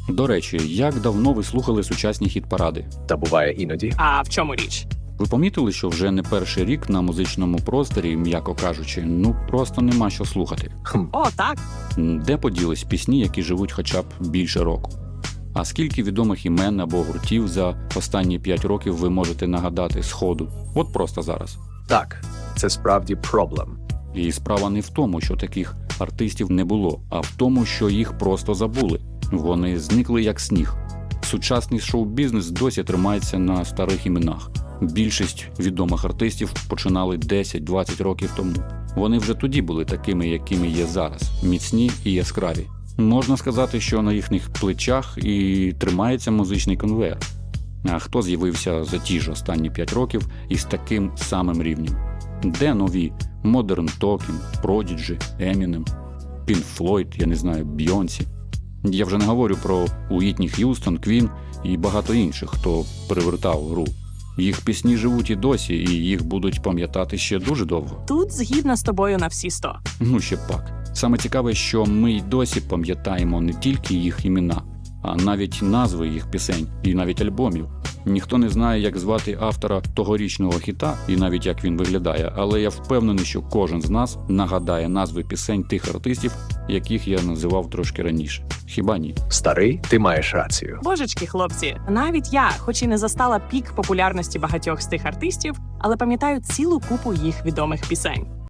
До речі, як давно ви слухали сучасні хіт-паради? Та буває іноді. А в чому річ? Ви помітили, що вже не перший рік на музичному просторі, м'яко кажучи, ну просто нема що слухати? О, так. Де поділись пісні, які живуть хоча б більше року? А скільки відомих імен або гуртів за останні 5 років ви можете нагадати з ходу? От просто зараз. Так, це справді проблем. І справа не в тому, що таких артистів не було, а в тому, що їх просто забули. Вони зникли як сніг. Сучасний шоу-бізнес досі тримається на старих іменах. Більшість відомих артистів починали 10-20 років тому. Вони вже тоді були такими, якими є зараз, міцні і яскраві. Можна сказати, що на їхніх плечах і тримається музичний конвейер. А хто з'явився за ті ж останні 5 років із таким самим рівнем? Де нові Modern Talking, Prodigy, Eminem, Pink Floyd, я не знаю, Бейонсі? Я вже не говорю про Уітні Х'юстон, Квін і багато інших, хто перевертав гру. Їх пісні живуть і досі, і їх будуть пам'ятати ще дуже довго. Тут згідна з тобою на всі 100. Ну ще пак. Саме цікаве, що ми й досі пам'ятаємо не тільки їх імена, а навіть назви їх пісень і навіть альбомів. Ніхто не знає, як звати автора тогорічного хіта і навіть як він виглядає, але я впевнений, що кожен з нас нагадає назви пісень тих артистів, яких я називав трошки раніше. Хіба ні? Старий, ти маєш рацію. Божечки, хлопці, навіть я, хоч і не застала пік популярності багатьох з тих артистів, але пам'ятаю цілу купу їх відомих пісень.